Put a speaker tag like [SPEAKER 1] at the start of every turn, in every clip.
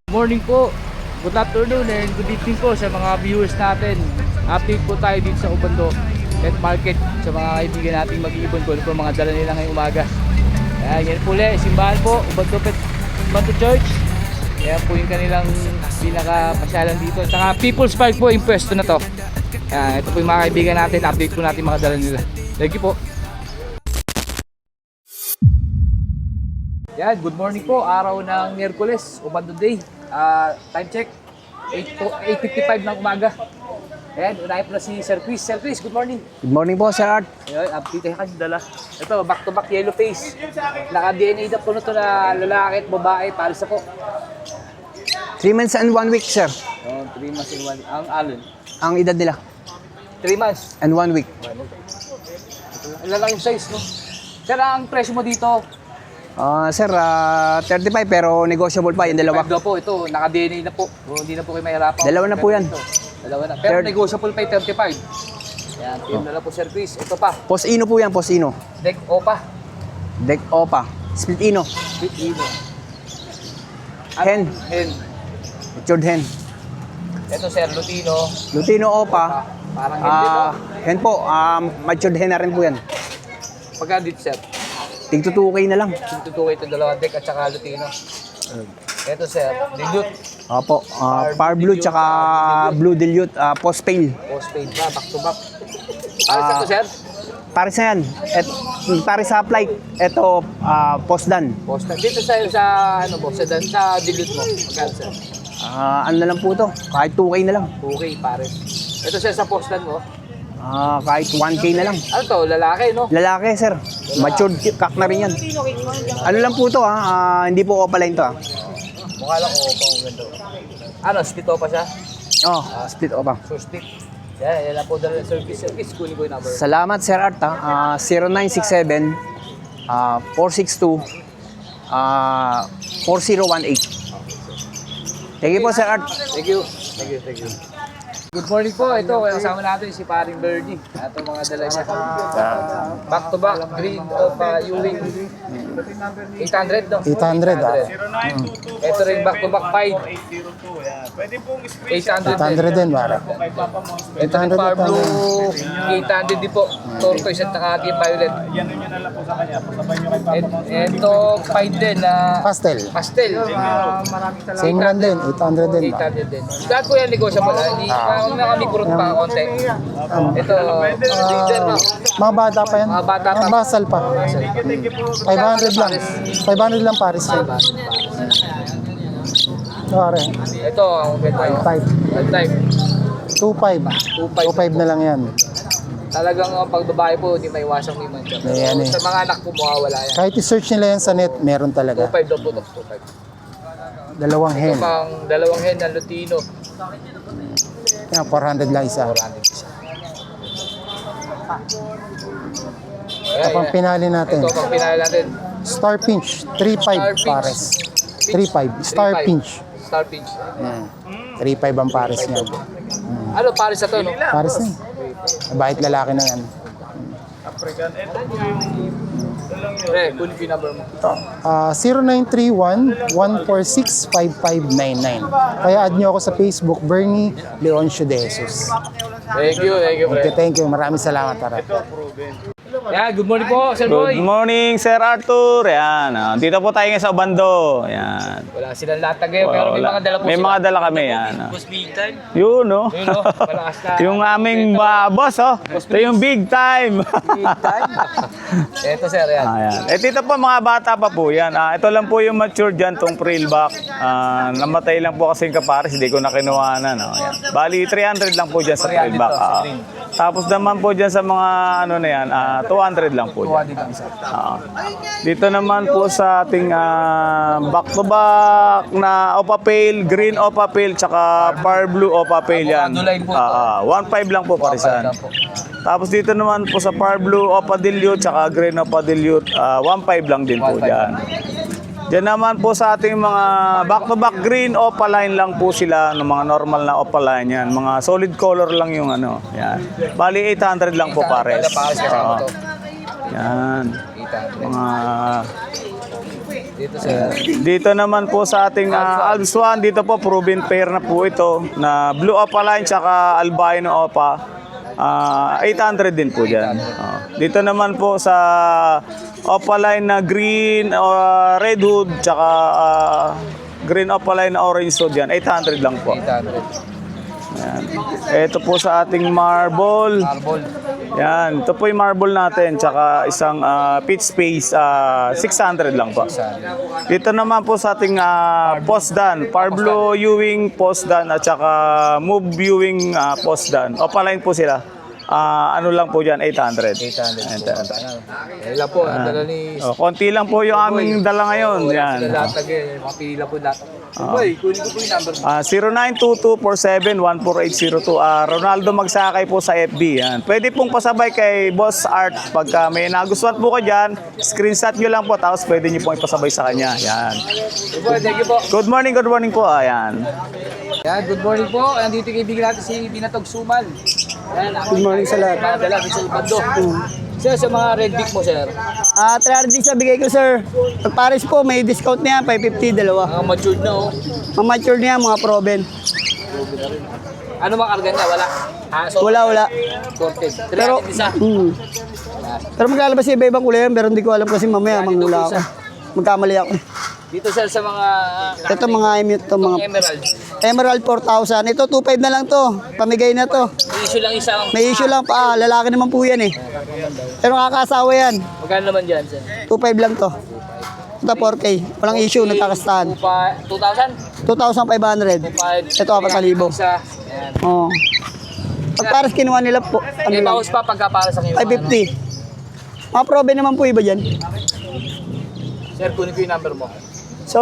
[SPEAKER 1] Morning po, good afternoon and good evening po sa mga viewers natin. Update po tayo dito sa Ubando Pet Market sa mga kaibigan nating mag-iibon po po mga dala nila ngayong umaga. Ayan, yan po ulit, simbahan po, Ubando Church. Ayan po yung kanilang pinaka-pasyalan dito. Saka People's Park po yung pwesto na to. Ayan, ito po yung mga kaibigan natin, update po natin mga dala nila. Thank you po. Yan, good morning po, araw ng Miyerkules, Ubando Day. Time check, 8:55 ng umaga. Ayan, unahin po na si Sir Chris. Sir Chris, good morning.
[SPEAKER 2] Good morning po, Sir Art.
[SPEAKER 1] Ayan, update ka dala. Ito, back to back yellow face. Naka-DNA na po na ito na lalaki at babae, pares na po.
[SPEAKER 2] 3 months and 1 week, Sir.
[SPEAKER 1] 3 months and 1 ang alon.
[SPEAKER 2] Ang edad nila.
[SPEAKER 1] 3 months.
[SPEAKER 2] And 1 week.
[SPEAKER 1] Ilan lang yung size, no? Sir, ang presyo mo dito,
[SPEAKER 2] Sir, 35 pero negotiable pa yung dalawa.
[SPEAKER 1] 5 daw po, ito, naka-DNA na po. Hindi na po kayo mahirapan.
[SPEAKER 2] Dalawa na po yan.
[SPEAKER 1] Dalawa na. Pero negotiable pa yung 35. Yan, team na lang po, Sir Chris. Ito pa,
[SPEAKER 2] Posino po yan, Posino.
[SPEAKER 1] Deck Opa.
[SPEAKER 2] Deck Opa. Split Ino.
[SPEAKER 1] With Ino.
[SPEAKER 2] Hen.
[SPEAKER 1] Hen.
[SPEAKER 2] Matured hen.
[SPEAKER 1] Ito, Sir Lutino.
[SPEAKER 2] Lutino Opa.
[SPEAKER 1] Parang hen din, no?
[SPEAKER 2] Hen po. Matured hen na rin po yan.
[SPEAKER 1] Pagka dito, Sir.
[SPEAKER 2] Tigto 2K na lang.
[SPEAKER 1] Tutukoy ito, dalawang deck at saka Lutino. Ito, Sir, Dilute.
[SPEAKER 2] Opo. Power Blue tsaka Blue Dilute. Post Pale.
[SPEAKER 1] Postpaid na, back to back. Pares ito, Sir?
[SPEAKER 2] Paris na yan. Paris sa flight. Ito, Post Dan.
[SPEAKER 1] Postpaid. Dito sa ano po, sa Dilute mo. Magkano, Sir?
[SPEAKER 2] Ano na lang po to? Kahit 2K na lang.
[SPEAKER 1] Okay, pares. Ito, Sir, sa postan mo.
[SPEAKER 2] Kahit 1K na lang.
[SPEAKER 1] Ano to, lalaki, no?
[SPEAKER 2] Lalaki, sir. Matured cock na rin yan. Ano lang po to, hindi po opaline to,
[SPEAKER 1] Mukha lang ko pang ganda. Ano, split pa siya?
[SPEAKER 2] Split opa.
[SPEAKER 1] So, split. Yan lang po dala ng service. Kunin ko yung number.
[SPEAKER 2] Salamat, Sir Art, 0967 462 4018. Thank you po, Sir Art.
[SPEAKER 1] Thank you. Good morning po. Ito, kasama natin si Paring Bernie. Ito mga dala niya. Back to back, green of Ewing. 800, no?
[SPEAKER 3] 800,
[SPEAKER 1] Ito rin back to back 5. 800
[SPEAKER 3] din, para.
[SPEAKER 1] Ito rin Power Blue, 800 din po. Tortoise at saka Team Violet. Ito 5 din na
[SPEAKER 3] Pastel.
[SPEAKER 1] maraming talaga.
[SPEAKER 3] Same lang din, 800 din.
[SPEAKER 1] 800 din. Lahat po yan negotiable. Hindi na kami kurot pa konti. Ito, leader na.
[SPEAKER 3] Mga bata pa yan.
[SPEAKER 1] Mga bata pa.
[SPEAKER 3] Basal pa. 500 lang. 500 lang Paris. Pare,
[SPEAKER 1] Ito, ang benta yun.
[SPEAKER 3] 5.
[SPEAKER 1] Type.
[SPEAKER 3] 2.5. 2.5 na lang yan.
[SPEAKER 1] Talagang pag babae po, hindi may iwasang may mancha. Pero
[SPEAKER 3] Ayan eh.
[SPEAKER 1] sa mga anak po, mawawala yan.
[SPEAKER 3] Kahit i-search nila yan sa net, meron talaga.
[SPEAKER 1] 2.5 daw po ito. 2.5.
[SPEAKER 3] Dalawang
[SPEAKER 1] Ito
[SPEAKER 3] hen.
[SPEAKER 1] pang dalawang hen na Lutino.
[SPEAKER 3] Yan, 400 lang isa.
[SPEAKER 1] 400 isa.
[SPEAKER 3] Ito pang pinali natin.
[SPEAKER 1] Ito pang pinali natin.
[SPEAKER 3] Star Pinch. 3.5 Pares. 3.5. Star Pinch.
[SPEAKER 1] Star Pinch.
[SPEAKER 3] Yan. 3.5 ang Pares niyan.
[SPEAKER 1] Ano, Paris na to, no?
[SPEAKER 3] Pares na. Bahit lalaki na yan.
[SPEAKER 1] Kunin ko yung number mo.
[SPEAKER 3] 0931-146-5599. Kaya add nyo ako sa Facebook, Bernie Leoncio de Jesus.
[SPEAKER 1] Thank you,
[SPEAKER 3] Okay, thank you. Maraming salamat, para.
[SPEAKER 1] Yeah, good morning po, Sir Boy.
[SPEAKER 4] Good morning, Sir Arthur. Yan. Dito po tayo ngayon sa Ubando. Yan.
[SPEAKER 1] Wala silang latag ngayon, pero may mga dala po
[SPEAKER 4] May
[SPEAKER 1] sila.
[SPEAKER 4] mga dala kami. Yan.
[SPEAKER 1] Boss big time.
[SPEAKER 4] Yun, no?
[SPEAKER 1] Yun, no? Malakas na.
[SPEAKER 4] Yung aming boss, oh. Ito yung big time.
[SPEAKER 1] Ito, Sir, yan.
[SPEAKER 4] Ayan. Dito po mga bata pa po yan. Ito lang po yung mature dyan, tong frillback. Namatay lang po kasi yung kapares, hindi ko na kinuhanan. Ayan. Bali, 300 lang po dyan sa frillback. Tapos naman po dyan sa mga ano na yan, 200 lang po dyan. Dito naman po sa ating back-to-back na Opa Pale, green Opa Pale, tsaka Power Blue Opa Pale yan. 1.5 lang po parisan. Tapos dito naman po sa Power Blue Opa Dilute, tsaka green Opa Dilute, 1.5 lang din po dyan. Diyan naman po sa ating mga back-to-back green opaline lang po sila, ng mga normal na opaline yan. Mga solid color lang yung ano. Yan. Bali 800 lang po pares. Yan.
[SPEAKER 1] 800.
[SPEAKER 4] Mga
[SPEAKER 1] Dito sir.
[SPEAKER 4] dito naman po sa ating Alps 1, dito po proven pair na po ito na blue opaline tsaka albino opa. 800 din po dyan. Dito naman po sa opaline na green red hood tsaka green opaline na orange hood yan. 800 lang po.
[SPEAKER 1] 800.
[SPEAKER 4] Yan. Ito po sa ating marble.
[SPEAKER 1] Marble.
[SPEAKER 4] Yan, ito po yung marble natin, tsaka isang pitch space, 600 lang po. Dito naman po sa ating postdan, Parblo Ewing postdan at tsaka Move Ewing postdan. Opaline po sila. Ano lang po dyan, 800.
[SPEAKER 1] 800. Ilan po, ang dala ni...
[SPEAKER 4] Konti lang po yung aming dala ngayon. Yan.
[SPEAKER 1] Sila latag eh, mapila po lahat. Boy, kunin ko po yung number mo.
[SPEAKER 4] 0922471480 Ronaldo Magsakay po sa FB. Yan. Pwede pong pasabay kay Boss Art. Pagka may nagustuhan po ka dyan, screenshot nyo lang po, tapos pwede nyo pong ipasabay sa kanya. Yan.
[SPEAKER 1] Thank you po.
[SPEAKER 4] Good morning po. Ayan.
[SPEAKER 1] Yan, good morning po. Nandito kaibigan natin si Binatog Suman. Yan,
[SPEAKER 3] Good morning sa lahat.
[SPEAKER 1] mga dala sa Ibando. Sir, sa mga red beak mo, sir.
[SPEAKER 2] 300 din sa bigay ko, sir. Pag pares po, may discount na yan, 550, dalawa.
[SPEAKER 1] Mga matured na, oh.
[SPEAKER 2] Mga mature na yan, mga proven.
[SPEAKER 1] Ano mga karga niya? Wala. So,
[SPEAKER 2] Wala.
[SPEAKER 1] Sorted.
[SPEAKER 2] Pero,
[SPEAKER 1] 300 isa.
[SPEAKER 2] pero maglalabas sa iba-ibang kulay yan, pero hindi ko alam kasi mamaya manghula ako. Magkamali ako.
[SPEAKER 1] Dito, sir, sa mga...
[SPEAKER 2] Ito mga emute to, mga
[SPEAKER 1] Emerald.
[SPEAKER 2] Emerald 4,000. Ito 2,500 na lang to. Pamigay na to.
[SPEAKER 1] May issue lang isa.
[SPEAKER 2] May issue lang pa. Lalaki naman po yan eh. Pero nakakasawa yan.
[SPEAKER 1] Magkano naman dyan, sir?
[SPEAKER 2] 2,500 lang to. Ito 4K. Walang issue, nagkakastahan.
[SPEAKER 1] 2,000?
[SPEAKER 2] 2,500.
[SPEAKER 1] 5.
[SPEAKER 2] Ito 4,000.
[SPEAKER 1] Isa. Yan.
[SPEAKER 2] Oo. Pag pares kinuha nila po, ano
[SPEAKER 1] May
[SPEAKER 2] lang,
[SPEAKER 1] bawas pa pagka para sa kayo.
[SPEAKER 2] 550. Mga probe naman po iba dyan.
[SPEAKER 1] Sir, kunin ko yung number mo.
[SPEAKER 2] So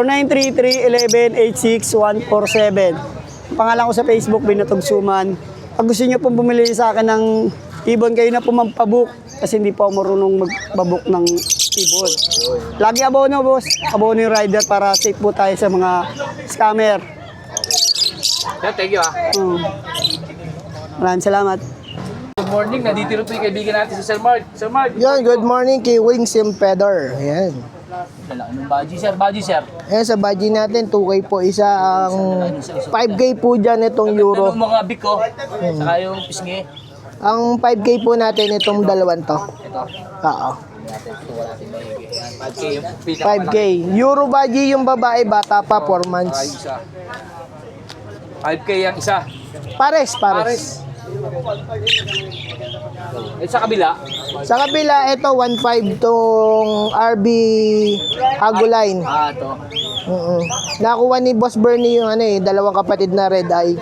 [SPEAKER 2] 933-11-86147. Pangalan ko sa Facebook, Binatog Suman. Pag gusto nyo pong bumili sa akin ng ibon, kayo na po magpabook. Kasi hindi pa ako marunong magpabook ng ibon. Lagi abono, boss. Abono yung rider para safe po tayo sa mga scammer.
[SPEAKER 1] Sir, thank you,
[SPEAKER 2] Maraming salamat.
[SPEAKER 1] Good morning. Nandito rin po yung kaibigan natin si Sir Mark. Sir Mark.
[SPEAKER 5] Yan, good morning kay Wings Empedor. Ayan.
[SPEAKER 1] Lalaki ng budgie, sir. Budgie, sir.
[SPEAKER 5] Ayan, sa budget natin, 2K po isa. Ang 5K po dyan itong euro.
[SPEAKER 1] Tanong mga big ko. Saka yung pisngi.
[SPEAKER 5] Ang 5K po natin itong dalawan to.
[SPEAKER 1] Ito.
[SPEAKER 5] Oo.
[SPEAKER 1] Natin. Ito wala natin maigi. Yan. 5K yung
[SPEAKER 5] 5K. Euro budget yung babae, bata pa, 4
[SPEAKER 1] 5K
[SPEAKER 5] months.
[SPEAKER 1] isa. 5K yung isa.
[SPEAKER 5] Pares.
[SPEAKER 1] Eh, sa kabila.
[SPEAKER 5] Sa kabila, ito 1.5 tong RB Aguline.
[SPEAKER 1] Ito.
[SPEAKER 5] Nakuha ni Boss Bernie yung dalawang kapatid na red eye.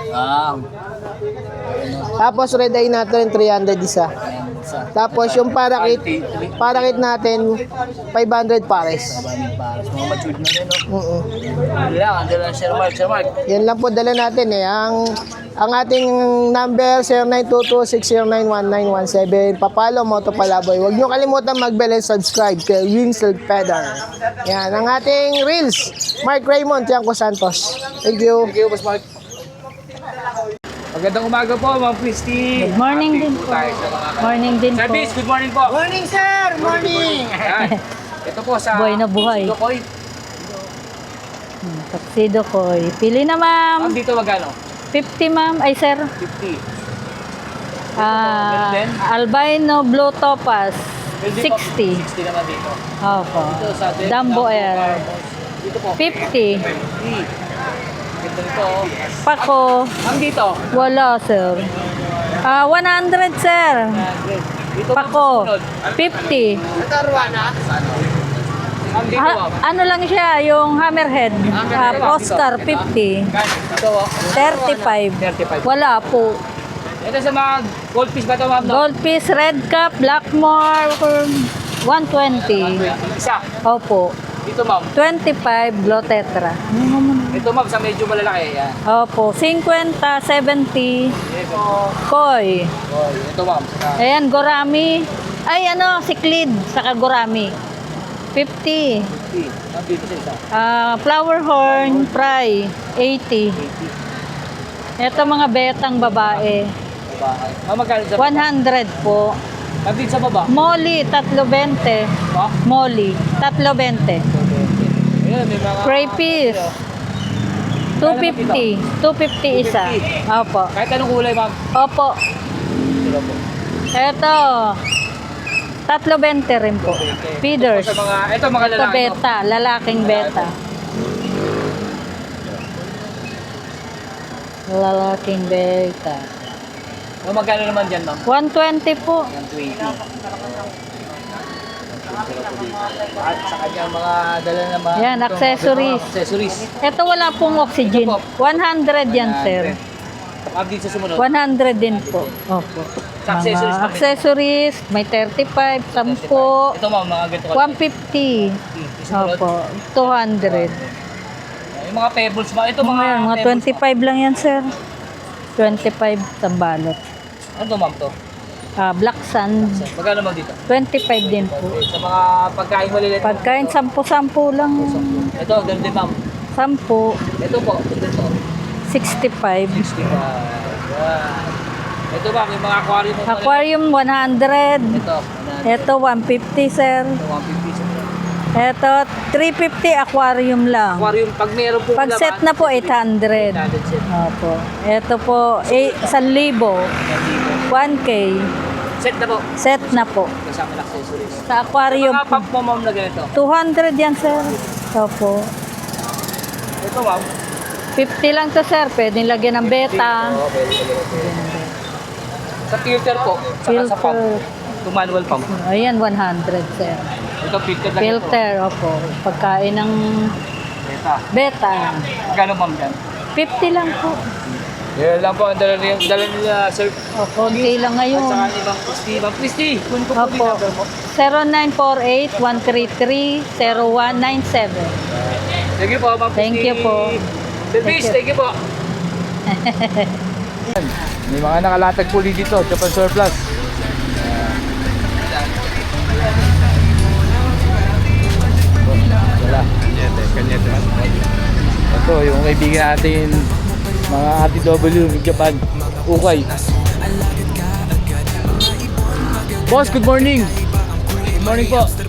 [SPEAKER 5] Tapos red eye natin 300 isa.
[SPEAKER 1] Isa.
[SPEAKER 5] Tapos yung parakit natin 500 pares.
[SPEAKER 1] Mga matured na rin, no?
[SPEAKER 5] Mm-mm.
[SPEAKER 1] Ang dala ng Sir Mark. Sir Mark.
[SPEAKER 5] Yan lang po dala natin eh. Ang ating number 0922-609-1917. Papalo Moto Palaboy. Huwag nyo kalimutan mag-bell and subscribe kay Winsel Pedar. Yan ang ating Reels. Mark Raymond, Tiangco Santos. Thank you.
[SPEAKER 1] Thank you, Boss Mark. Magandang umaga po, Ma'am Christy.
[SPEAKER 6] Good morning din po.
[SPEAKER 1] Tayo sa mga
[SPEAKER 6] Morning din po.
[SPEAKER 1] Service, good morning po.
[SPEAKER 5] Morning, sir! Morning!
[SPEAKER 1] Yan. Ito po sa
[SPEAKER 6] Buhay na buhay.
[SPEAKER 1] Tukoy.
[SPEAKER 6] Tuxedo ko. Pili na ma'am.
[SPEAKER 1] Dito magkano?
[SPEAKER 6] 50 ma'am. Ay sir.
[SPEAKER 1] 50.
[SPEAKER 6] Ah,
[SPEAKER 1] Meron din?
[SPEAKER 6] albino blue topaz.
[SPEAKER 1] Meron din po,
[SPEAKER 6] 60.
[SPEAKER 1] 60 naman dito.
[SPEAKER 6] Opo.
[SPEAKER 1] Ito sa
[SPEAKER 6] Dumbo Air.
[SPEAKER 1] Dito po.
[SPEAKER 6] 50.
[SPEAKER 1] 50. Ito dito.
[SPEAKER 6] Pako.
[SPEAKER 1] Ang dito.
[SPEAKER 6] Wala sir. 100 sir.
[SPEAKER 1] 100. Dito
[SPEAKER 6] Pako.
[SPEAKER 1] sunod.
[SPEAKER 6] 50.
[SPEAKER 1] Ang dito.
[SPEAKER 6] Ano lang siya, yung hammerhead. Oscar 50.
[SPEAKER 1] Ito.
[SPEAKER 6] 35.
[SPEAKER 1] 35.
[SPEAKER 6] Wala po.
[SPEAKER 1] Ito sa mga goldfish ba ito, ma'am? No?
[SPEAKER 6] Goldfish, red cap, blackmore, 120.
[SPEAKER 1] Isa.
[SPEAKER 6] Opo.
[SPEAKER 1] Dito, ma'am.
[SPEAKER 6] 25 blue tetra.
[SPEAKER 1] Ito, ma'am, sa medyo malalaki. Yan.
[SPEAKER 6] Opo, 50, 70 koi.
[SPEAKER 1] Oh, ito, ma'am.
[SPEAKER 6] Ayan, gorami. Ay, siklid, saka gorami. 50.
[SPEAKER 1] 50. Dito sa isa.
[SPEAKER 6] Flower horn, fry, 80. Ito mga betang babae.
[SPEAKER 1] Ma'am, magkano sa
[SPEAKER 6] 100 po.
[SPEAKER 1] Pagdit sa baba.
[SPEAKER 6] Molly, 320.
[SPEAKER 1] Pa?
[SPEAKER 6] Molly, 320.
[SPEAKER 1] Ayun, may mga...
[SPEAKER 6] Crayfish, 250. 250 isa. Opo.
[SPEAKER 1] Kahit anong kulay, ma'am.
[SPEAKER 6] Opo.
[SPEAKER 1] Sila po.
[SPEAKER 6] Ito, 320 rin po. Feeders.
[SPEAKER 1] Sa mga, ito mga
[SPEAKER 6] Ito
[SPEAKER 1] lalaki. no?
[SPEAKER 6] beta, lalaking beta. Lalaking beta.
[SPEAKER 1] O magkano naman dyan, ma'am?
[SPEAKER 6] 120 po.
[SPEAKER 1] 120. At sa kanyang mga dala na mga...
[SPEAKER 6] Yan, accessories.
[SPEAKER 1] Accessories.
[SPEAKER 6] Ito wala pong oxygen. 100 yan, sir.
[SPEAKER 1] Update sa sumunod.
[SPEAKER 6] 100 din po. Opo.
[SPEAKER 1] Sa accessories
[SPEAKER 6] Mga
[SPEAKER 1] pa rin.
[SPEAKER 6] accessories, may 35, 10,
[SPEAKER 1] Ito, ma'am, mga ganito.
[SPEAKER 6] 150.
[SPEAKER 1] Sumunod.
[SPEAKER 6] Opo, 200.
[SPEAKER 1] Yung mga pebbles, ito
[SPEAKER 6] Mga yan, mga
[SPEAKER 1] pebbles,
[SPEAKER 6] 25 lang yan, sir. 25 tambalot.
[SPEAKER 1] Ano to, ma'am, to?
[SPEAKER 6] Black sand,
[SPEAKER 1] Magkano ma'am dito?
[SPEAKER 6] 25 din po.
[SPEAKER 1] Okay, sa mga pagkain maliliit.
[SPEAKER 6] Pagkain, 10-10 lang.
[SPEAKER 1] Ito, ganun din, ma'am.
[SPEAKER 6] 10,
[SPEAKER 1] Ito po, ito.
[SPEAKER 6] 65.
[SPEAKER 1] 60 pa. Yan. Ito, ma'am, yung mga aquarium.
[SPEAKER 6] Aquarium, 100.
[SPEAKER 1] Ito,
[SPEAKER 6] Ito, 150, sir.
[SPEAKER 1] 150 sa
[SPEAKER 6] Ito, 350 aquarium lang.
[SPEAKER 1] aquarium. Pag meron po
[SPEAKER 6] Pag set na po, 800.
[SPEAKER 1] set.
[SPEAKER 6] Opo. Ito po, 1,000. 1K.
[SPEAKER 1] Set na po.
[SPEAKER 6] Set na po.
[SPEAKER 1] Kasama ng accessories.
[SPEAKER 6] Sa aquarium,
[SPEAKER 1] Mga pump mo, ma'am, na ganito.
[SPEAKER 6] 200 yan, sir. Opo.
[SPEAKER 1] Ito, ma'am.
[SPEAKER 6] 50 lang to, sir. Pwedeng lagyan ng beta.
[SPEAKER 1] Oo, pwede. Sa filter po. Saka sa pump.
[SPEAKER 6] Filter.
[SPEAKER 1] Ito manual pump.
[SPEAKER 6] Ayan, 100, sir.
[SPEAKER 1] Ito filter lang ito.
[SPEAKER 6] Filter, opo. Pagkain ng
[SPEAKER 1] Beta.
[SPEAKER 6] beta.
[SPEAKER 1] Magkano, ma'am, yan?
[SPEAKER 6] 50 lang po.
[SPEAKER 1] Yan lang po ang dala nila, sir.
[SPEAKER 6] O, konti lang
[SPEAKER 1] At
[SPEAKER 6] ngayon.
[SPEAKER 1] saka ni Ma'am Christy. Ma'am Christy, kunin ko po yung
[SPEAKER 6] Opo.
[SPEAKER 1] number mo.
[SPEAKER 6] 0948-133-0197.
[SPEAKER 1] Thank you po, Ma'am Christy.
[SPEAKER 6] Thank you po.
[SPEAKER 1] Service,
[SPEAKER 6] Thank you.
[SPEAKER 1] thank you po. May mga nakalatag puli dito, Japan Surplus. Wala. Ito, yung kaibigan natin, mga RTW ng Japan, Ukay. Boss, good morning. Good morning po.